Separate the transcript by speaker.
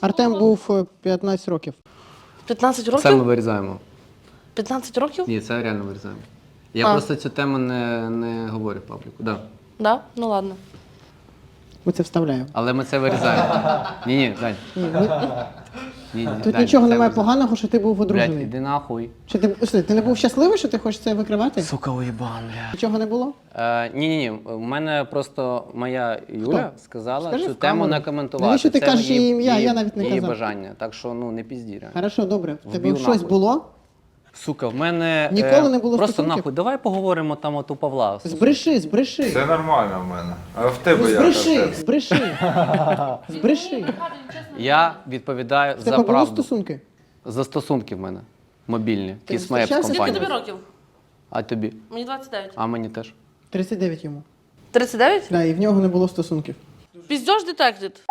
Speaker 1: Артем був 15 років.
Speaker 2: 15
Speaker 3: Це ми
Speaker 2: років?
Speaker 3: вирізаємо.
Speaker 2: 15 років?
Speaker 3: Ні, це реально вирізаємо. Я
Speaker 2: А.
Speaker 3: просто цю тему не говорю в пабліку. Да.
Speaker 2: Да? Ну ладно.
Speaker 1: Ми це вставляємо.
Speaker 3: Але ми це вирізаємо. Ні, Дань. Ні,
Speaker 1: Тут
Speaker 3: Дань,
Speaker 1: нічого
Speaker 3: це
Speaker 1: немає
Speaker 3: вирізаємо.
Speaker 1: поганого, що ти був
Speaker 3: Блядь,
Speaker 1: одружений.
Speaker 3: іди нахуй.
Speaker 1: Що ти не був щасливий, що ти хочеш це викривати?
Speaker 3: Сука, уєбан, бля.
Speaker 1: Нічого не було?
Speaker 3: Ні. У мене просто моя Юля сказала
Speaker 1: Скажи
Speaker 3: цю
Speaker 1: в
Speaker 3: тему
Speaker 1: камеру.
Speaker 3: не коментувати.
Speaker 1: Навіщо ти
Speaker 3: Це
Speaker 1: кажеш її ім'я? Я навіть не
Speaker 3: її
Speaker 1: казав.
Speaker 3: бажання. Так що, не пізді, реально.
Speaker 1: Хорошо, добре. В тебе
Speaker 3: Вбив
Speaker 1: щось
Speaker 3: нахуй.
Speaker 1: було?
Speaker 3: Сука, в мене
Speaker 1: Ніколи не було
Speaker 3: просто
Speaker 1: стосунків?
Speaker 3: нахуй. Давай поговоримо там от у Павла.
Speaker 1: Збреши.
Speaker 4: Все нормально в мене. А в тебе
Speaker 1: Ну,
Speaker 4: як?
Speaker 1: збреши.
Speaker 3: Я відповідаю
Speaker 1: В
Speaker 3: за
Speaker 1: тебе були
Speaker 3: правду.
Speaker 1: стосунки?
Speaker 3: За стосунки в мене. Мобільні.
Speaker 1: Ти
Speaker 3: Kiss Maps
Speaker 1: зустрічався з
Speaker 2: Скільки
Speaker 3: компанія.
Speaker 2: тобі років?
Speaker 3: А тобі?
Speaker 2: Мені 29.
Speaker 3: А мені теж.
Speaker 1: 39 йому.
Speaker 2: 39?
Speaker 1: Да, і в нього не було стосунків.
Speaker 2: Піздьош детектед.